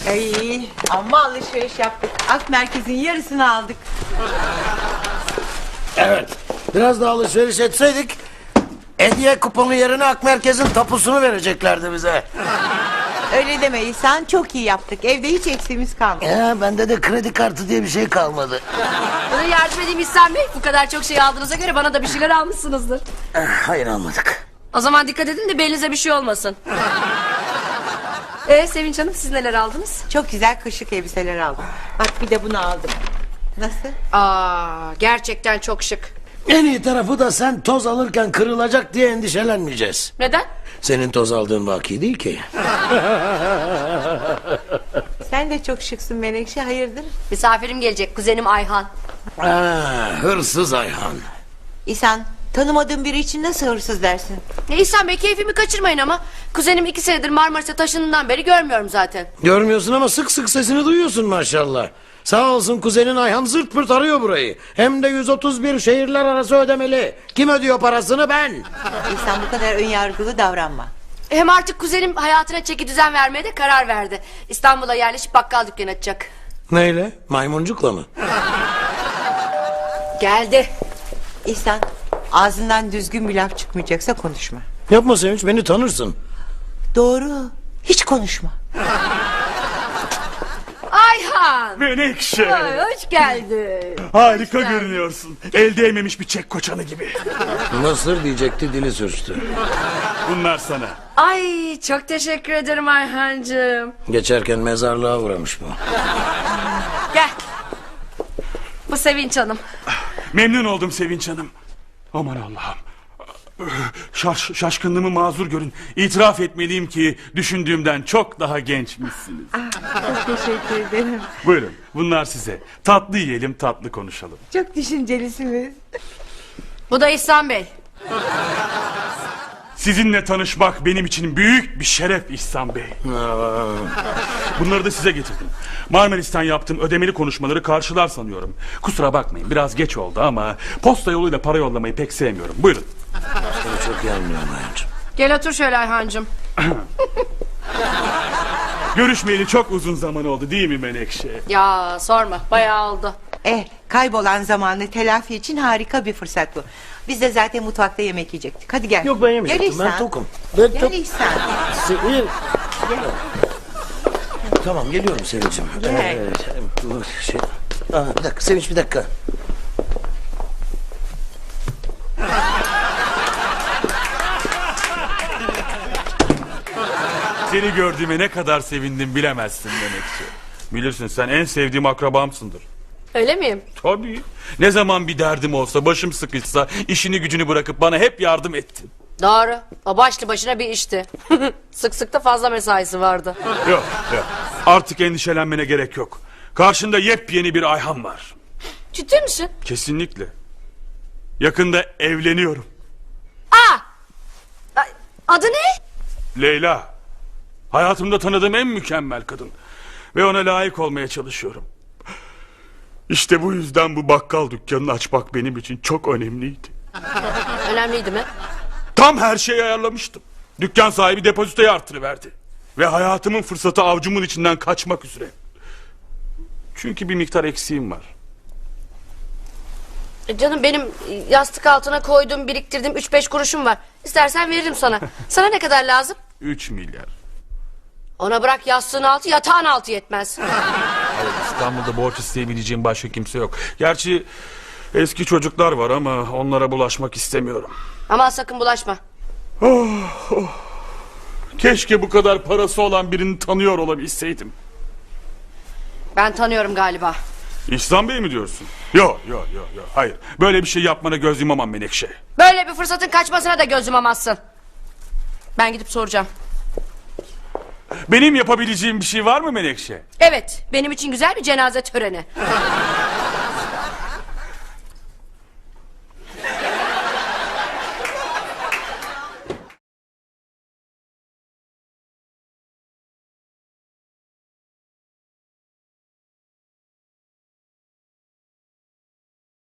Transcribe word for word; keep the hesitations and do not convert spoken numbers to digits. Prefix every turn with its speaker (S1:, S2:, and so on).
S1: Ay, amma alışveriş yaptık. Ak merkezin yarısını aldık.
S2: Evet. Biraz daha alışveriş etseydik hediye kuponu yerine Ak Merkez'in tapusunu vereceklerdi bize.
S1: Öyle deme İhsan, çok iyi yaptık. Evde hiç eksiğimiz kalmadı.
S2: Ya bende de kredi kartı diye bir şey kalmadı.
S3: Bana yardım edeyim İhsan Bey. Bu kadar çok şey aldığınıza göre bana da bir şeyler almışsınızdır.
S2: Hayır almadık.
S3: O zaman dikkat edin de belinize bir şey olmasın. Ee Sevinç Hanım, siz neler aldınız?
S1: Çok güzel kışlık elbiseler aldım. Bak bir de bunu aldım. Nasıl?
S3: Aa, gerçekten çok şık.
S2: En iyi tarafı da sen toz alırken kırılacak diye endişelenmeyeceğiz.
S3: Neden?
S2: Senin toz aldığın vaki değil ki.
S1: Sen de çok şıksın Menekşe, hayırdır?
S3: Misafirim gelecek, kuzenim Ayhan.
S2: Aa, hırsız Ayhan.
S1: İhsan, tanımadığın biri için nasıl hırsız dersin?
S3: Ne İhsan Bey, keyfimi kaçırmayın ama. Kuzenim iki senedir Marmaris'e taşındığından beri görmüyorum zaten.
S2: Görmüyorsun ama sık sık sesini duyuyorsun maşallah. Sağ olsun kuzenin Ayhan zırt pırt arıyor burayı. Hem de yüz otuz bir şehirler arası ödemeli. Kim ödüyor parasını? Ben.
S1: İhsan, bu kadar önyargılı davranma.
S3: Hem artık kuzenim hayatına çeki düzen vermeye de karar verdi. İstanbul'a yerleşip bakkal dükkanı açacak.
S2: Neyle? Maymuncukla mı?
S3: Geldi.
S1: İhsan, ağzından düzgün bir laf çıkmayacaksa konuşma.
S2: Yapma Sevinç, beni tanırsın.
S1: Doğru, hiç konuşma.
S3: Ayhan.
S4: Menekşe.
S3: Ay, hoş geldin.
S4: Harika
S3: Hoş geldin.
S4: görünüyorsun. El değmemiş bir çek koçanı gibi.
S2: Mısır diyecekti, dili sürçtü.
S4: Bunlar sana.
S3: Ay, çok teşekkür ederim Ayhancığım.
S2: Geçerken mezarlığa uğramış bu.
S3: Gel. Bu Sevinç Hanım.
S4: Memnun oldum Sevinç Hanım. Aman Allah'ım. Şaş, şaşkınlığımı mazur görün. İtiraf etmeliyim ki düşündüğümden çok daha gençmişsiniz.
S1: Çok teşekkür ederim.
S4: Buyurun, bunlar size. Tatlı yiyelim, tatlı konuşalım.
S1: Çok düşüncelisiniz.
S3: Bu da İhsan Bey.
S4: Sizinle tanışmak benim için büyük bir şeref İhsan Bey. Bunları da size getirdim. Marmaris'ten yaptığım ödemeli konuşmaları karşılar sanıyorum. Kusura bakmayın, biraz geç oldu ama posta yoluyla para yollamayı pek sevmiyorum. Buyurun.
S2: Seni çok iyi anlıyorum hayatım.
S3: Gel otur şöyle Ayhancığım.
S4: Görüşmeyeli çok uzun zaman oldu değil mi Menekşe?
S3: Ya sorma, bayağı oldu.
S1: Eh, kaybolan zamanı telafi için harika bir fırsat bu. Biz de zaten mutfakta yemek yiyecektik. Hadi gel.
S2: Yok ben yemeyecektim,
S1: Gel
S2: ben
S1: İhsan.
S2: tokum. Ben
S1: Gel
S2: tok.
S1: İhsan.
S2: Sevin. Tamam geliyorum Sevinç'im.
S1: Gel.
S2: Evet, bu şey... Aa, bir dakika Sevinç, bir dakika.
S4: Seni gördüğüme ne kadar sevindim bilemezsin Menekşe. Bilirsin, sen en sevdiğim akrabamsındır.
S3: Öyle miyim?
S4: Tabii. Ne zaman bir derdim olsa, başım sıkışsa işini gücünü bırakıp bana hep yardım ettin.
S3: Doğru. O başlı başına bir işti. Sık sık da fazla mesaisi vardı.
S4: Yok yok. Artık endişelenmene gerek yok. Karşında yepyeni bir Ayhan var.
S3: Ciddi misin?
S4: Kesinlikle. Yakında evleniyorum.
S3: Aa! Ay, adı ne?
S4: Leyla. Hayatımda tanıdığım en mükemmel kadın. Ve ona layık olmaya çalışıyorum. İşte bu yüzden bu bakkal dükkanını açmak benim için çok önemliydi.
S3: Önemliydi mi?
S4: Tam her şeyi ayarlamıştım. Dükkan sahibi depozitoyu artırıverdi. Ve hayatımın fırsatı avcumun içinden kaçmak üzere. Çünkü bir miktar eksiğim var.
S3: E canım, benim yastık altına koyduğum, biriktirdiğim üç beş kuruşum var. İstersen veririm sana. Sana ne kadar lazım?
S4: Üç milyar.
S3: Ona bırak yastığın altı, yatağın altı yetmez.
S4: Hayır, İstanbul'da borç isteyebileceğim başka kimse yok. Gerçi eski çocuklar var ama onlara bulaşmak istemiyorum.
S3: Ama sakın bulaşma.
S4: Oh, oh. Keşke bu kadar parası olan birini tanıyor olabilseydim.
S3: Ben tanıyorum galiba.
S4: İhsan Bey mi diyorsun? Yok yok yok yok. Hayır. Böyle bir şey yapmana göz yumamam Menekşe.
S3: Böyle bir fırsatın kaçmasına da göz yumamazsın. Ben gidip soracağım.
S4: Benim yapabileceğim bir şey var mı Menekşe?
S3: Evet, benim için güzel bir cenaze töreni.